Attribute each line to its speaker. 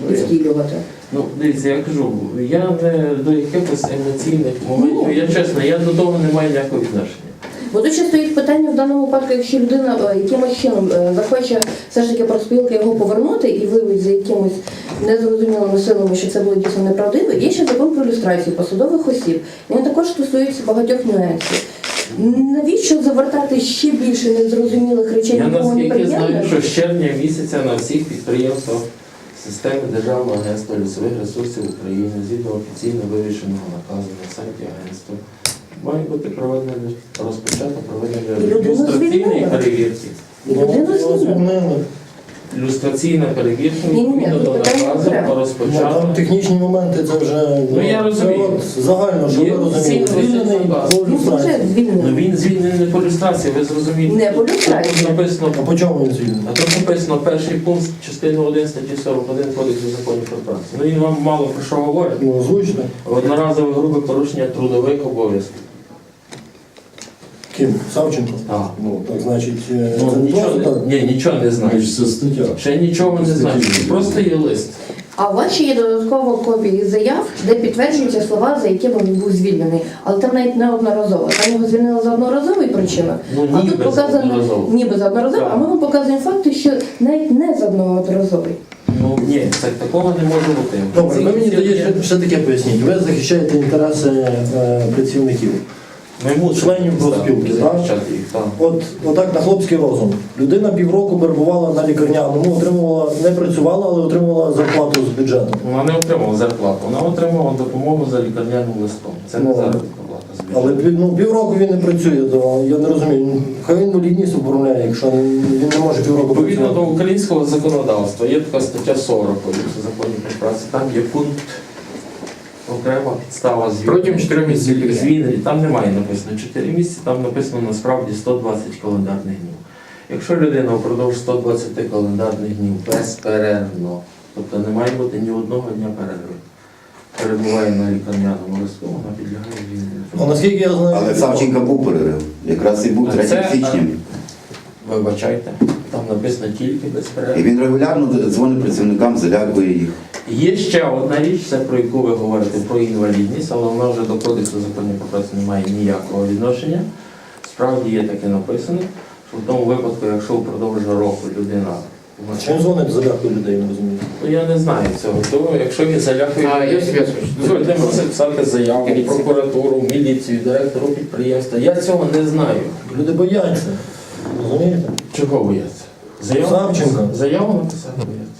Speaker 1: втілювати.
Speaker 2: Ну, дивіться, я кажу, я не до якихось емоційних моментів, я чесно, я до того не маю ніякого відношення.
Speaker 1: Бо тут ще стоїть питання в даному випадку, якщо людина якимось чином захоче все ж таки профспілки його повернути і виявить за якимось незрозумілими силами, що це було дійсно неправдиво, є ще закон про люстрацію посадових осіб. Він також стосується багатьох нюансів. Навіщо завертати ще більше незрозумілих речей?
Speaker 2: Я наскільки знаю, що з червня місяця на всіх підприємствах системи Державного агентства лісових ресурсів України згідно офіційно вирішеного наказу на сайті агентства має бути розпочато проведення люстраційної перевірки. Люстраційна перевірка відповідно до наказу розпочато.
Speaker 3: Там технічні моменти, це вже
Speaker 2: я розумію.
Speaker 3: Загально, що ви розумієте. Звільнений по люстрації.
Speaker 2: Ну він звільнений не по люстрації, ви зрозумієте.
Speaker 1: Не по люстрації.
Speaker 2: А
Speaker 3: по чому він звільнений?
Speaker 2: А тут написано перший пункт частини 1 статті 41 Кодексу законів про працю. Ну він вам мало про що говорить.
Speaker 3: Ну, озвучте.
Speaker 2: Одноразове грубе порушення трудових обов'язків.
Speaker 3: Ким? Савченко?
Speaker 2: Так.
Speaker 3: Ну, так значить, це
Speaker 2: Ну,
Speaker 3: не просто так?
Speaker 2: нічого не знаю.
Speaker 4: Це стаття.
Speaker 2: Ще нічого не знаю. Просто є лист.
Speaker 1: А у вас ще є додатково копії заяв, де підтверджуються слова, за якими він був звільнений. Але там навіть не одноразово. Там його звільнили за одноразовий причиною.
Speaker 2: Ну,
Speaker 1: а
Speaker 2: ніби
Speaker 1: тут показано
Speaker 2: одноразово.
Speaker 1: ніби за одноразово,
Speaker 2: Так.
Speaker 1: а ми вам показуємо факти, що навіть не за одноразовий.
Speaker 2: Ну ні, такого не може бути.
Speaker 3: Добре, ви мені тоді ще таке поясніть. Ви захищаєте інтереси працівників.
Speaker 2: Ми мусимо
Speaker 3: членів профспілки, так?
Speaker 2: захищати їх, так.
Speaker 3: Отак на хлопський розум. Людина півроку перебувала на лікарняному, отримувала, не працювала, але отримувала зарплату з бюджету.
Speaker 2: Вона не отримала зарплату, вона отримала допомогу за лікарняним листом. Це не заробітна плата з бюджету.
Speaker 3: Але півроку він не працює, то я не розумію. Хай інвалідність оформляє, якщо він не може півроку
Speaker 2: Відповідно до
Speaker 3: працювати.
Speaker 2: українського законодавства є така стаття 40 Кодексу законів про працю. Там є пункт окрема підстава
Speaker 5: Протягом 4 місяців.
Speaker 2: звільнення. Там немає написано 4 місяці, там написано насправді 120 календарних днів. Якщо людина впродовж 120 календарних днів безперервно, тобто не має бути ні одного дня перерви, перебуває на лікарняному листу, вона підлягає звільненню.
Speaker 3: Наскільки я знаю,
Speaker 6: Але Савченка був перерив. Якраз і був 3 січня.
Speaker 2: Вибачайте, там написано тільки
Speaker 6: І
Speaker 2: безперервно.
Speaker 6: він регулярно дзвонить працівникам, залякує їх.
Speaker 2: Є ще одна річ, це про яку ви говорите, про інвалідність, але вона вже до Кодексу законів про працю не має ніякого відношення. Справді є таке написано, що в тому випадку, якщо впродовж року людина...
Speaker 3: чим дзвонить залякує людей, не розумію.
Speaker 2: Ну я не знаю цього, то якщо він залякує...
Speaker 5: Є зв'язок.
Speaker 2: Дозвольте мені писати заяву в прокуратуру, в міліцію, директору підприємства. Я цього не знаю.
Speaker 3: Люди бояться, розумієте?
Speaker 2: Чого бояться?
Speaker 3: Савченко.
Speaker 2: Заяву написати бояться.